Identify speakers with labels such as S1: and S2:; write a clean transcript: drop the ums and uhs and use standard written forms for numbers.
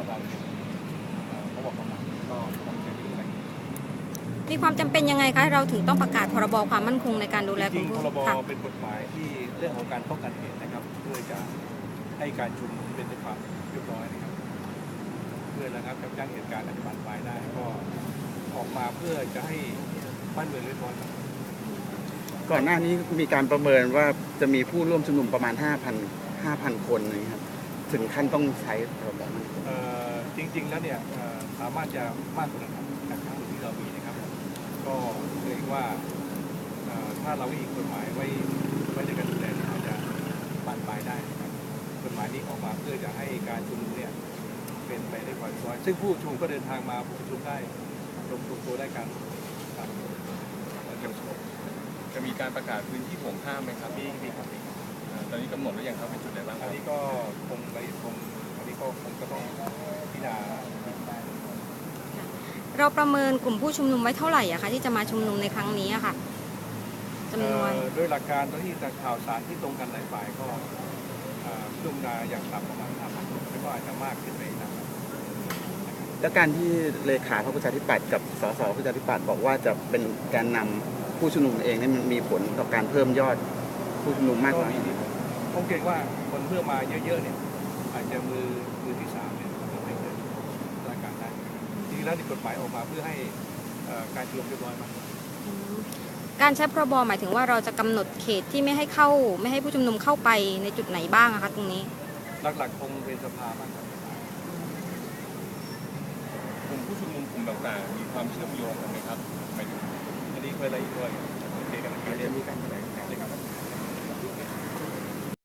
S1: เราเขาบอกประมาณก็คงจะอยู่ใน
S2: มีความจำเป็นยังไงคะเราถึงต้องประกาศพรบความมั่นคงในการดูแล
S1: จริงๆพรบ
S2: ค่ะ
S1: เป็นกฎหมายที่เรื่องของการป้องกันเหตุนะครับเพื่อจะให้การชุมนุมเป็นไปความเรียบร้อยนะครับเพื่อระงับยับยั้งเหตุการณ์อันบานปลายได้ก็ออกมาเพื่อจะให้บ้านเมืองเรียบร้อยครับ
S3: ก่อนหน้านี้มีการประเมินว่าจะมีผู้ร่วมชุมนุมประมาณ 5,000 คนนะครับถึงขั้นต้องใช้พรบมัน
S1: จริงๆแล้วเนี่ยสามารถจะมากกว่านั้นครับจากข้อมูลที่เรามีนะครับก็เกรงว่าถ้าเราอีกกฎหมายไว้ในการดูแลเนี่ยอาจจะบานปลายได้นะครับกฎหมายนี้ออกมาเพื่อจะให้การชุมนุมเนี่ยเป็นไปได้ความเรียบร้อยซึ่งผู้ชุมนุมก็เดินทางมาชุมนุมได้รวมตัวได้กันครับ
S4: จะมีการประกาศพื้นที่ห่วงห้ามไหมครับ
S1: มีครับ
S4: ตอนนี้กำหนดแล้วยังครับเป็นจุดไหนบ้างค
S1: อั
S4: รั
S1: น
S4: บ
S1: นี้ก็คงอันนี้ก็คงจะต้องพิจารณา
S2: เราประเมินกลุ่มผู้ชุมนุมไว้เท่าไหร่อะคะที่จะมาชุมนุมในครั้งนี้อะค่ะจำนวน
S1: โดยหลักการที่จากข่าวสารที่ตรงกันหลายฝ่ายก็ชุมนุมอย่างต่ำประมาณ5,000คนแล้วก็อาจจะมากขึ้นไปนะครับ
S3: แล้วการที่เลขาพรรคประชาธิปัตย์กับสสประชาธิปัตย์บอกว่าจะเป็นแกนนำผู้ชุมนุมเองนี่มันมีผลต่อการเพิ่มยอดผู้ชุมนุมมากน้อย
S1: ผมเกรงว่าคนเพื่อมาเยอะๆเนี่ยอาจจะมือที่3เนี่ยทำให้เกิดสถานการณ์ได้จริงๆแล้วในกฎหมายออกมาเพื่อให้การชุมนุมเรียบร้อยมาก
S2: การใช้พรบหมายถึงว่าเราจะกำหนดเขตที่ไม่ให้ผู้ชุมนุมเข้าไปในจุดไหนบ้างอะคะตรงนี้
S1: หลักๆคงเป็นสภามากกว่าก
S4: ลุ่มผู้ชุมนุมกลุ่มต่างๆมีความเชื่อมโยงกันไหมครับหมายถึง
S1: อันนี้เคยอะไรอีกด้วยโอเคกันนะครั
S3: จะมีการแถลงข่าว
S1: บ